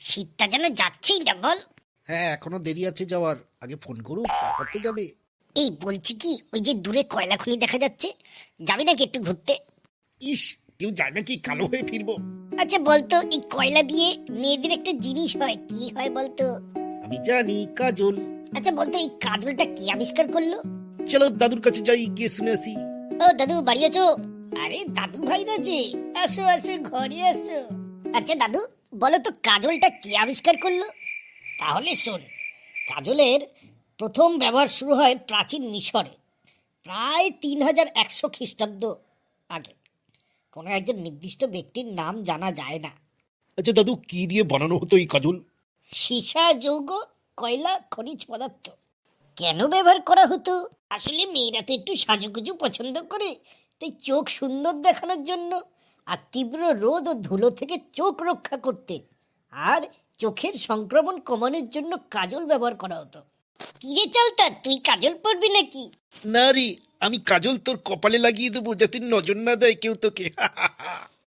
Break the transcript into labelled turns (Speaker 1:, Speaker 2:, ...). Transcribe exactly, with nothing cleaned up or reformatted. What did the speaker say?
Speaker 1: শীতটা যেন যাচ্ছেই না বল।
Speaker 2: হ্যাঁ, এখনো দেরি আছে যাওয়ার, আগে ফোন করুক তারপর তো যাবে।
Speaker 1: এই বলছি কি, ওই যে দূরে কয়লা খনি দেখা যাচ্ছে, যাবি নাকি একটু ঘুরতে?
Speaker 2: ইস, কেউ যায় নাকি কালো হয়ে ফিরবো?
Speaker 1: আচ্ছা বলতো, এই কয়লা দিয়ে মেয়েদের একটা জিনিস হয়, কি হয় বলতো?
Speaker 2: আমি জানি, কাজল।
Speaker 1: আচ্ছা বলতো, এই কাজলটা কি আবিষ্কার করলো?
Speaker 2: চলো দাদুর কাছে যাই, গিয়ে শুনে আসি।
Speaker 1: ও দাদু, বাড়ি আছো? আরে দাদু ভাই না যে, আসো আসো, ঘরে আসো। আচ্ছা দাদু, বলো তো কাজলটা কে আবিষ্কার করলো? তাহলে শোন, কাজলের প্রথম ব্যবহার শুরু হয় প্রাচীন মিশরে, প্রায় তিন হাজার একশো খ্রিস্টাব্দ আগে। কোনো একজন নির্দিষ্ট ব্যক্তির নাম জানা যায় না।
Speaker 2: আচ্ছা দাদু, কি দিয়ে বানানো হতো এই কাজল?
Speaker 1: সীসা, যৌগ, কয়লা, খনিজ পদার্থ। কেন ব্যবহার করা হতো? আসলে মেয়েরা তো একটু সাজুগুজু পছন্দ করে, তাই চোখ সুন্দর দেখানোর জন্য, আর তীব্র রোদ ও ধুলো থেকে চোখ রক্ষা করতে, আর চোখের সংক্রমণ কমানোর জন্য কাজল ব্যবহার করা হতো। কিরে চলতা, তুই কাজল পরবি নাকি?
Speaker 2: না রে, আমি কাজল তোর কপালে লাগিয়ে দেবো যাতে নজর না দেয় কেউ তোকে।